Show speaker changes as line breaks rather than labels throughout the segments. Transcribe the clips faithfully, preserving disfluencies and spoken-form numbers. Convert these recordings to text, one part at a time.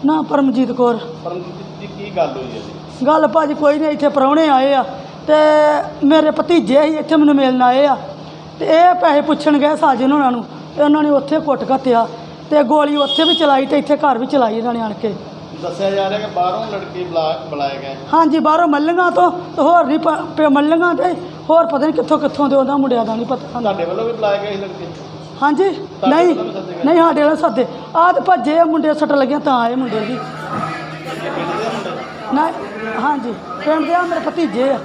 ਨਾ ਪਰਮਜੀਤ ਕੌਰ।
ਪਰਮਜੀਤ ਜੀ ਕੀ ਗੱਲ ਹੋਈ ਹੈ ਜੀ?
ਗੱਲ ਭਾਜੀ ਕੋਈ ਨਹੀਂ, ਇੱਥੇ ਪ੍ਰਾਹੁਣੇ ਆਏ ਆ ਤੇ ਮੇਰੇ ਭਤੀਜੇ ਹੀ ਇੱਥੇ ਮੈਨੂੰ ਮਿਲਣ ਆਏ ਆ ਤੇ ਇਹ ਪੈਸੇ ਪੁੱਛਣ ਗਏ ਸਾਜਨ ਉਹਨਾਂ ਨੂੰ ਤੇ ਉਹਨਾਂ ਨੇ ਉੱਥੇ ਕੁੱਟ ਘੱਤਿਆ ਤੇ ਗੋਲੀ ਉੱਥੇ ਵੀ ਚਲਾਈ ਤੇ ਇੱਥੇ ਘਰ ਵੀ ਚਲਾਈ ਇਹਨਾਂ ਨੇ ਆਣ ਕੇ।
ਦੱਸਿਆ ਜਾ ਰਿਹਾ ਕਿ ਬਾਹਰੋਂ ਲੜਕੇ ਬੁਲਾ ਬੁਲਾਏ ਗਏ।
ਹਾਂਜੀ, ਬਾਹਰੋਂ ਮੱਲੀਆਂ ਤੋਂ ਤੇ ਹੋਰ ਨਹੀਂ ਪ ਮੱਲੀਆਂ ਤੇ ਹੋਰ ਪਤਾ ਨਹੀਂ ਕਿੱਥੋਂ ਕਿੱਥੋਂ ਦੇ ਉਹਨਾਂ ਮੁੰਡਿਆਂ ਦਾ ਨਹੀਂ ਪਤਾ।
ਤੁਹਾਡੇ ਵੱਲੋਂ ਵੀ ਬੁਲਾਏ ਗਏ ਸੀ ਲੜਕੇ?
ਹਾਂਜੀ, ਨਹੀਂ ਨਹੀਂ ਸਾਡੇ ਵਾਲੇ ਸੱਦੇ ਆਹ ਤੇ ਭੱਜੇ ਆ ਮੁੰਡੇ, ਸੱਟ ਲੱਗੀਆਂ ਤਾਂ ਆਏ ਮੁੰਡੇ ਜੀ। ਨਹੀਂ ਹਾਂਜੀ, ਪਿੰਡ ਦੇ ਆ ਮੇਰੇ ਭਤੀਜੇ ਆ।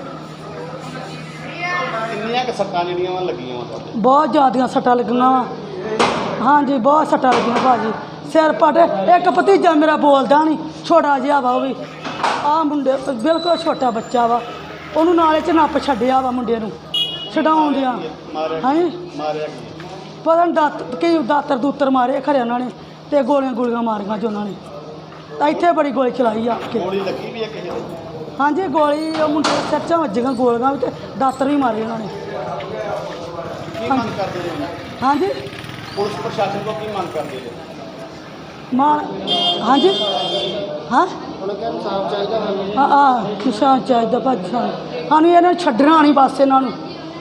ਕਿੰਨੀਆਂ ਕੁ ਸੱਟਾਂ ਜਿਹੜੀਆਂ ਵਾ ਲੱਗੀਆਂ ਵਾ ਤੁਹਾਡੇ?
ਬਹੁਤ ਜ਼ਿਆਦੀਆਂ ਸੱਟਾਂ ਲੱਗੀਆਂ ਵਾ। ਹਾਂਜੀ, ਬਹੁਤ ਸੱਟਾਂ ਲੱਗੀਆਂ ਭਾਜੀ, ਸਿਰ ਪਟ। ਇੱਕ ਭਤੀਜਾ ਮੇਰਾ ਬੋਲਦਾ ਨਹੀਂ, ਛੋਟਾ ਜਿਹਾ ਵਾ ਉਹ ਵੀ। ਆਹ ਮੁੰਡੇ ਬਿਲਕੁਲ ਛੋਟਾ ਬੱਚਾ ਵਾ, ਉਹਨੂੰ ਨਾਲੇ 'ਚ ਨੱਪ ਛੱਡਿਆ ਵਾ ਮੁੰਡੇ ਨੂੰ ਛਡਾਉਣ ਦਿਆਂ। ਹਾਂਜੀ,
ਮਾਰਿਆ ਕੀ?
ਪਤਾ ਨਹੀਂ ਦਾਤ ਕਈ ਦਾਤਰ ਦੂਤਰ ਮਾਰੇ ਖਰੇ ਉਹਨਾਂ ਨੇ ਤੇ ਗੋਲੀਆਂ ਗੋਲੀਆਂ ਮਾਰੀਆਂ ਜੋ ਉਹਨਾਂ ਨੇ। ਤਾਂ ਇੱਥੇ ਬੜੀ ਗੋਲੀ ਚਲਾਈ ਆ ਕੇ।
ਗੋਲੀ ਲੱਗੀ ਵੀ ਹੈ ਕਿਸੇ ਦੇ?
ਹਾਂਜੀ, ਗੋਲੀ ਉਹ ਮੁੰਡੇ ਦੇ ਸਿਰ 'ਚ ਵੱਜੀਆਂ ਗੋਲੀਆਂ ਵੀ ਤੇ ਦਾਤਰ ਵੀ ਮਾਰੇ ਉਹਨਾਂ ਨੇ।
ਕੀ ਮੰਗ ਕਰਦੇ ਜੀ?
ਹਾਂਜੀ,
ਪੁਲਿਸ ਪ੍ਰਸ਼ਾਸਨ ਤੋਂ ਕੀ ਮੰਗ ਕਰਦੇ ਜੀ?
ਮਾਂ ਹਾਂਜੀ ਹਾਂ
ਉਹਨਾਂ ਕਿਹਾ ਇਨਸਾਫ ਚਾਹੀਦਾ ਸਾਨੂੰ।
ਹਾਂ ਆ ਨਿਸ਼ਾਨ ਚਾਹੀਦਾ ਭਾਜੀ ਸਾਨੂੰ। ਸਾਨੂੰ ਇਹਨਾਂ ਨੂੰ ਛੱਡਣਾ ਨਹੀਂ ਬਸ। ਇਹਨਾਂ ਨੂੰ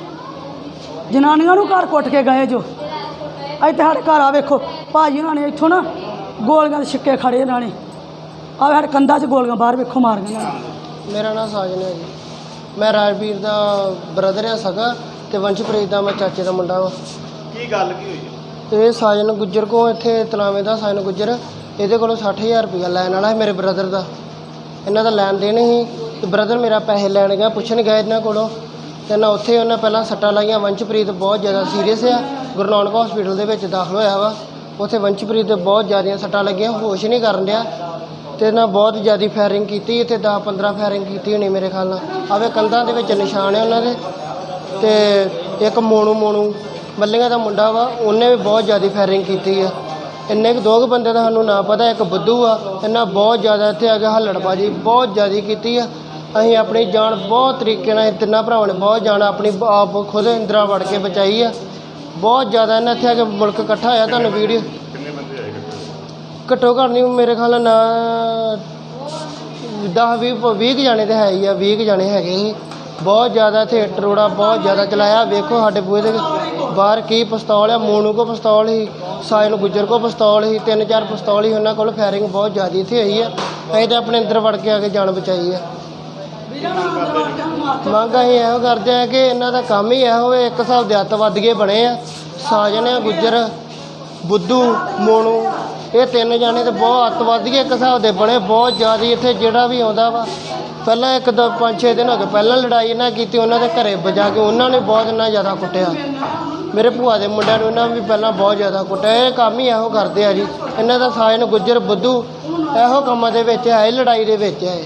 ਜਨਾਨੀਆਂ ਨੂੰ ਘਰ ਕੁੱਟ ਕੇ ਗਏ ਜੋ। ਇੱਥੇ ਸਾਡੇ ਘਰ ਆ ਵੇਖੋ ਭਾਜੀ, ਉਹਨਾਂ ਨੇ ਇੱਥੋਂ ਨਾ ਗੋਲੀਆਂ ਦੇ ਛਿੱਕੇ ਖੜੇ ਇਹਨਾਂ ਨੇ। ਆ ਸਾਡੇ ਕੰਧਾਂ 'ਚ ਗੋਲੀਆਂ ਬਾਹਰ ਵੇਖੋ ਮਾਰੀਆਂ ਇਹਨਾਂ ਨੇ।
ਮੇਰਾ ਨਾਮ ਸਾਜਨ ਹੈ ਜੀ। ਮੈਂ ਰਾਜਵੀਰ ਦਾ ਬ੍ਰਦਰ ਆ ਸਗਾ ਤੇ ਵੰਸ਼ਪ੍ਰੀਤ ਦਾ ਮੈਂ ਚਾਚੇ ਦਾ ਮੁੰਡਾ ਵਾ।
ਕੀ ਗੱਲ ਕੀ ਹੋਈ?
ਤੇ ਸਾਜਨ ਗੁੱਜਰ ਕੋਲ ਇੱਥੇ ਤਲਾਵੇਂ ਦਾ ਸਾਜਨ ਗੁੱਜਰ ਇਹਦੇ ਕੋਲੋਂ ਸੱਠ ਹਜ਼ਾਰ ਰੁਪਈਆ ਲੈਣ ਵਾਲਾ ਹੈ ਮੇਰੇ ਬ੍ਰਦਰ ਦਾ। ਇਹਨਾਂ ਦਾ ਲੈਣ ਦੇਣ ਸੀ ਤੇ ਬ੍ਰਦਰ ਮੇਰਾ ਪੈਸੇ ਲੈਣ ਗਿਆ, ਪੁੱਛਣ ਗਿਆ ਇਹਨਾਂ ਕੋਲੋਂ ਤੇ ਨਾ ਉੱਥੇ ਉਹਨਾਂ ਪਹਿਲਾਂ ਸੱਟਾਂ ਲਾਈਆਂ। ਵੰਸ਼ਪ੍ਰੀਤ ਬਹੁਤ ਜ਼ਿਆਦਾ ਸੀਰੀਅਸ ਆ, ਗੁਰੂ ਨਾਨਕ ਹਸਪੀਟਲ ਦੇ ਵਿੱਚ ਦਾਖਲ ਹੋਇਆ ਵਾ। ਉੱਥੇ ਵੰਸ਼ਪ੍ਰੀਤ ਦੇ ਬਹੁਤ ਜ਼ਿਆਦੀਆਂ ਸੱਟਾਂ ਲੱਗੀਆਂ, ਹੋਸ਼ ਨਹੀਂ ਕਰਨ ਡਿਆ ਤੇ ਨਾ ਬਹੁਤ ਜ਼ਿਆਦਾ ਫਾਇਰਿੰਗ ਕੀਤੀ। ਇੱਥੇ ਦਸ ਪੰਦਰਾਂ ਫਾਇਰਿੰਗ ਕੀਤੀ ਹੋਣੀ ਮੇਰੇ ਖਿਆਲ ਨਾਲ। ਆਵੇ ਕੰਧਾਂ ਦੇ ਵਿੱਚ ਨਿਸ਼ਾਨ ਹੈ ਉਹਨਾਂ ਦੇ। ਤੇ ਇੱਕ ਮੋਨੂ ਮੋਨੂ ਮੱਲੀਆਂ ਦਾ ਮੁੰਡਾ ਵਾ, ਉਹਨੇ ਵੀ ਬਹੁਤ ਜ਼ਿਆਦਾ ਫਾਇਰਿੰਗ ਕੀਤੀ ਆ। ਇੰਨੇ ਕੁ ਦੋ ਕੁ ਬੰਦੇ ਦਾ ਸਾਨੂੰ ਨਾ ਪਤਾ, ਇੱਕ ਬੁੱਧੂ ਆ। ਇਹਨਾਂ ਬਹੁਤ ਜ਼ਿਆਦਾ ਇੱਥੇ ਆ ਕੇ ਹੱਲੜਬਾਜੀ ਬਹੁਤ ਜ਼ਿਆਦਾ ਕੀਤੀ ਆ। ਅਸੀਂ ਆਪਣੀ ਜਾਨ ਬਹੁਤ ਤਰੀਕੇ ਨਾਲ, ਤਿੰਨਾਂ ਭਰਾਵਾਂ ਨੇ ਬਹੁਤ ਜਾਨ ਆਪਣੀ ਆਪ ਖੁਦ ਇੰਦਰਾ ਵੜ ਕੇ ਬਚਾਈ ਆ। ਬਹੁਤ ਜ਼ਿਆਦਾ ਇਹਨਾਂ ਇੱਥੇ ਆ ਕੇ ਮੁਲਕ ਇਕੱਠਾ ਹੋਇਆ। ਤੁਹਾਨੂੰ ਵੀਡੀਓ
ਕਿੰਨੇ ਬੰਦੇ ਆਏ?
ਘੱਟੋ ਘੱਟ ਨਹੀਂ ਮੇਰੇ ਖਿਆਲ ਨਾਲ ਦਸ ਵੀਹ ਵੀਹ ਕੁ ਜਾਣੇ ਤਾਂ ਹੈ ਹੀ ਆ, ਵੀਹ ਕੁ ਜਾਣੇ ਹੈਗੇ ਸੀ। ਬਹੁਤ ਜ਼ਿਆਦਾ ਇੱਥੇ ਟਰੋੜਾ ਬਹੁਤ ਜ਼ਿਆਦਾ ਚਲਾਇਆ। ਵੇਖੋ ਸਾਡੇ ਬੂਹੇ ਦੇ ਬਾਹਰ ਕੀ ਪਿਸਤੌਲ ਆ। ਮੋਨੂ ਕੋ ਪਿਸਤੌਲ ਸੀ, ਸਾਜਨ ਗੁੱਜਰ ਕੋ ਪਿਸਤੌਲ ਸੀ, ਤਿੰਨ ਚਾਰ ਪਿਸਤੌਲ ਸੀ ਉਹਨਾਂ ਕੋਲ। ਫਾਇਰਿੰਗ ਬਹੁਤ ਜ਼ਿਆਦਾ ਇੱਥੇ ਹੋਈ ਆ। ਅਸੀਂ ਤਾਂ ਆਪਣੇ ਅੰਦਰ ਵੜ ਕੇ ਆ ਕੇ ਜਾਨ ਬਚਾਈ ਆ। ਮੰਗ ਅਸੀਂ ਇਹੋ ਕਰਦੇ ਆ ਕਿ ਇਹਨਾਂ ਦਾ ਕੰਮ ਹੀ ਇਹੋ ਹੋਵੇ। ਇੱਕ ਹਿਸਾਬ ਦੇ ਅੱਤਵਾਦੀਏ ਬਣੇ ਆ। ਸਾਜਨ ਆ ਗੁੱਜਰ, ਬੁੱਧੂ, ਮੋਨੂ, ਇਹ ਤਿੰਨ ਜਾਣੇ ਤੇ ਬਹੁਤ ਅੱਤਵਾਦੀਏ ਇੱਕ ਹਿਸਾਬ ਦੇ ਬਣੇ। ਬਹੁਤ ਜ਼ਿਆਦਾ ਇੱਥੇ ਜਿਹੜਾ ਵੀ ਆਉਂਦਾ ਵਾ, ਪਹਿਲਾਂ ਇੱਕ ਦੋ ਪੰਜ ਛੇ ਦਿਨ ਹੋ ਗਏ ਪਹਿਲਾਂ ਲੜਾਈ ਇਹਨਾਂ ਕੀਤੀ ਉਹਨਾਂ ਦੇ ਘਰੇ ਵਜਾ ਕੇ। ਉਹਨਾਂ ਨੇ ਬਹੁਤ ਇੰਨਾ ਜ਼ਿਆਦਾ ਕੁੱਟਿਆ। ਮੇਰੇ ਭੂਆ ਦੇ ਮੁੰਡਿਆਂ ਨੂੰ ਇਹਨਾਂ ਵੀ ਪਹਿਲਾਂ ਬਹੁਤ ਜ਼ਿਆਦਾ ਕੁੱਟਿਆ। ਇਹ ਕੰਮ ਹੀ ਇਹੋ ਕਰਦੇ ਆ ਜੀ ਇਹਨਾਂ ਦਾ। ਸਾਜਨ ਗੁੱਜਰ, ਬੁੱਧੂ ਇਹੋ ਕੰਮਾਂ ਦੇ ਵਿੱਚ ਹੈ, ਲੜਾਈ ਦੇ ਵਿੱਚ ਹੈ।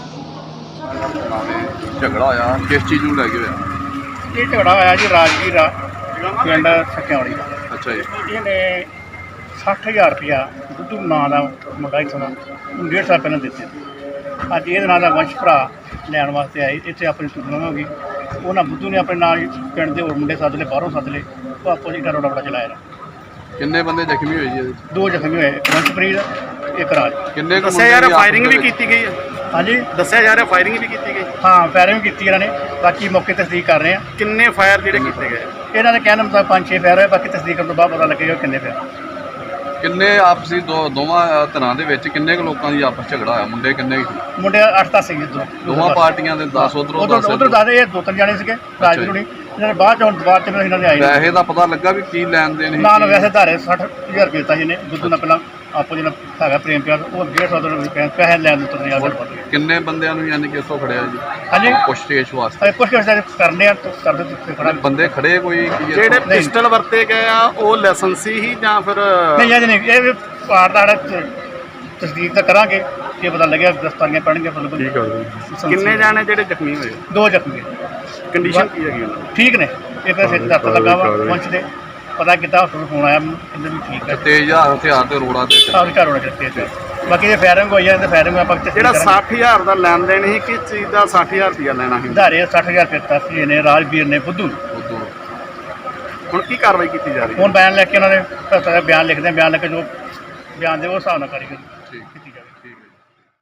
ਝਗੜਾ ਹੋਇਆ ਕਿਸ ਚੀਜ਼ ਨੂੰ ਲੈ ਕੇ ਹੋਇਆ?
ਇਹ ਝਗੜਾ ਹੋਇਆ ਜੀ ਰਾਜਵੀਰ ਆ ਪਿੰਡ ਸਕਿਆੜੀ ਦਾ।
ਅੱਛਾ ਜੀ।
ਇਹਨੇ ਸੱਠ ਹਜ਼ਾਰ ਰੁਪਇਆ ਬੁੱਧੂ ਨਾਂ ਦਾ ਮੁੰਡਾ ਇੱਥੋਂ ਦਾ ਉਹਨੂੰ ਡੇਢ ਸਾਲ ਪਹਿਲਾਂ ਦਿੱਤੇ। ਅੱਜ ਇਹਦੇ ਨਾਂ ਦਾ ਵੰਸ਼ ਭਰਾ ਲੈਣ ਵਾਸਤੇ ਆਏ। ਇੱਥੇ ਆਪਣੀ ਟੂਰਨਾਮੈਂਟ ਹੋ ਗਈ। ਉਹਨਾਂ ਬੁੱਧੂ ਨੇ ਆਪਣੇ ਨਾਲ ਪਿੰਡ ਦੇ ਹੋਰ ਮੁੰਡੇ ਸੱਦ ਲਏ, ਬਾਹਰੋਂ ਸੱਦ ਲਏ। ਉਹ ਆਪੋ ਜੀ ਰੋੜਾ ਬੜਾ ਚਲਾਇਆ।
ਕਿੰਨੇ ਬੰਦੇ ਜ਼ਖਮੀ ਹੋਏ ਜੀ?
ਦੋ ਜ਼ਖਮੀ ਹੋਏ, ਵੰਸ਼ਪ੍ਰੀਤ, ਇੱਕ ਰਾਜ।
ਕਿੰਨੇ ਕੁ
ਦੱਸਿਆ ਯਾਰ ਫਾਇਰਿੰਗ ਵੀ ਕੀਤੀ ਗਈ ਹੈ?
ਹਾਂਜੀ,
ਦੱਸਿਆ ਜਾ ਰਿਹਾ ਫਾਇਰਿੰਗ ਵੀ ਕੀਤੀ ਗਈ।
ਹਾਂ ਫਾਇਰਿੰਗ ਕੀਤੀ ਇਹਨਾਂ ਨੇ। ਬਾਕੀ ਮੌਕੇ ਤਸਦੀਕ ਕਰ ਰਹੇ ਆ।
ਕਿੰਨੇ ਫਾਇਰ ਜਿਹੜੇ ਕੀਤੇ ਗਏ?
ਇਹਨਾਂ ਦੇ ਕਹਿਣ ਮੁਤਾਬਕ ਪੰਜ ਛੇ ਫਾਇਰ ਹੋਏ। ਬਾਕੀ ਤਸਦੀਕ ਕਰਨ ਤੋਂ ਬਾਅਦ ਪਤਾ ਲੱਗੇਗਾ ਕਿੰਨੇ ਫਾਇਰ।
ਕਿੰਨੇ ਆਪਸੀ ਦੋ ਦੋਵਾਂ ਧਿਰਾਂ ਦੇ ਵਿੱਚ ਕਿੰਨੇ ਕੁ ਲੋਕਾਂ ਦੀ ਆਪਸ ਝਗੜਾ ਹੋਇਆ? ਮੁੰਡੇ ਕਿੰਨੇ ਕੁ ਸੀ?
ਮੁੰਡੇ ਅੱਠ ਦਸ ਸੀਗੇ ਇੱਧਰੋਂ
ਦੋਵਾਂ ਪਾਰਟੀਆਂ ਦੇ ਦਸ ਉਧਰੋਂ ਦਸ
ਉਧਰ ਦਸ। ਇਹ ਦੋ ਤਿੰਨ ਜਾਣੇ ਸੀਗੇ ਰਾਜਵੀਰ ਹੁਣੀ। ਇਹਨਾਂ ਨੇ ਬਾਅਦ ਚ ਹੁਣ ਬਾਅਦ ਚ ਇਹਨਾਂ ਦੇ ਆਏ ਨੇ।
ਪੈਸੇ ਦਾ ਪਤਾ ਲੱਗਾ ਵੀ ਕੀ ਲੈਣ ਦੇਣ ਸੀ?
ਨਾ ਨਾ ਵੈਸੇ ਧਾਰੇ ਸੱਠ ਹਜ਼ਾਰ ਰੁਪਏ ਦਿੱਤਾ ਜਿਹਨੇ ਬੁੱਧੂ ਨਾਲ ਪਹਿਲਾਂ ਆਪੋ ਜਿਹੜਾ ਹੈਗਾ ਪ੍ਰੇਮ ਪਿਆਰ, ਉਹ ਡੇਢ ਸੌ ਰੁਪਏ ਪੈਸੇ ਲੈਣ ਦਿੱਤੇ ਨੇ। ਯਾਰ
ਕਿੰਨੇ ਬੰਦਿਆਂ ਨੂੰ ਯਾਨੀ ਕਿ ਇੱਥੋਂ ਖੜਿਆ ਜੀ?
ਹਾਂਜੀ,
ਪੁੱਛਤੇਛ ਵਾਸਤੇ
ਕੁਛ ਕੁਛ ਕਰਨੇ ਆ ਕਰਦੇ ਤੇ ਖੜਾ।
ਬੰਦੇ ਖੜੇ ਕੋਈ ਕੀ
ਜਿਹੜੇ ਪਿਸਟਲ ਵਰਤੇ ਗਏ ਆ ਉਹ ਲਾਇਸੈਂਸੀ ਹੀ ਜਾਂ ਫਿਰ?
ਨਹੀਂ ਜੀ, ਨਹੀਂ। ਇਹ ਪਾਰ ਦਾ ਤਸਦੀਕ ਤਾਂ ਕਰਾਂਗੇ ਕਿ ਪਤਾ ਲੱਗਿਆ, ਦਸਤਾਨੀਆਂ ਪੈਣਗੀਆਂ।
ਠੀਕ ਹੈ।
ਕਿੰਨੇ ਜਾਣੇ ਜਿਹੜੇ ਜ਼ਖਮੀ ਹੋਏ?
ਦੋ ਜ਼ਖਮੀ।
ਕੰਡੀਸ਼ਨ ਕੀ ਹੈਗੀ ਉਹਨਾਂ ਦੀ?
ਠੀਕ ਨੇ। ਇੱਕ ਸਿਰ 'ਚ ਦਰਦ ਲੱਗਾ ਵਾ ਪਹੁੰਚ ਦੇ ਪਤਾ ਕੀਤਾ ਹਸਪਤਾਲ ਫੋਨ ਆਇਆ ਕਹਿੰਦੇ ਵੀ ਠੀਕ ਹੈ।
ਤੇਜ਼ ਹਥਿਆਰ ਤੇ ਰੋੜਾ ਤੇ
ਸਾਰੇ ਘਰ ਹੋਣਾ ਚਾਹੀਦਾ। ਬਾਕੀ ਜੇ ਫਾਇਰਿੰਗ ਹੋਈ ਹੈ ਤੇ ਫਾਇਰਿੰਗ ਆਪਾਂ
ਜਿਹੜਾ ਸੱਠ ਹਜ਼ਾਰ ਦਾ ਲੈਣ ਦੇਣ ਸੀ, ਕਿਸ ਚੀਜ਼ ਦਾ ਸੱਠ ਹਜ਼ਾਰ ਰੁਪਇਆ ਲੈਣਾ ਸੀ?
ਧਾਰੇ ਸੱਠ ਹਜ਼ਾਰ ਰੁਪਏ ਦਿੱਤਾ ਨੇ ਰਾਜਵੀਰ ਨੇ ਬੁੱਧੂ।
ਹੁਣ ਕੀ ਕਾਰਵਾਈ ਕੀਤੀ ਜਾ ਰਹੀ ਹੈ?
ਹੁਣ ਬਿਆਨ ਲੈ ਕੇ ਉਹਨਾਂ ਨੇ ਬਿਆਨ ਲਿਖਦੇ ਬਿਆਨ ਲੈ ਕੇ ਜੋ ਬਿਆਨ ਦੇ ਉਹ ਹਿਸਾਬ ਨਾਲ ਕਰੀ
ਠੀਕ
ਕੀਤੀ ਜਾਵੇ।
ਠੀਕ ਹੈ ਜੀ।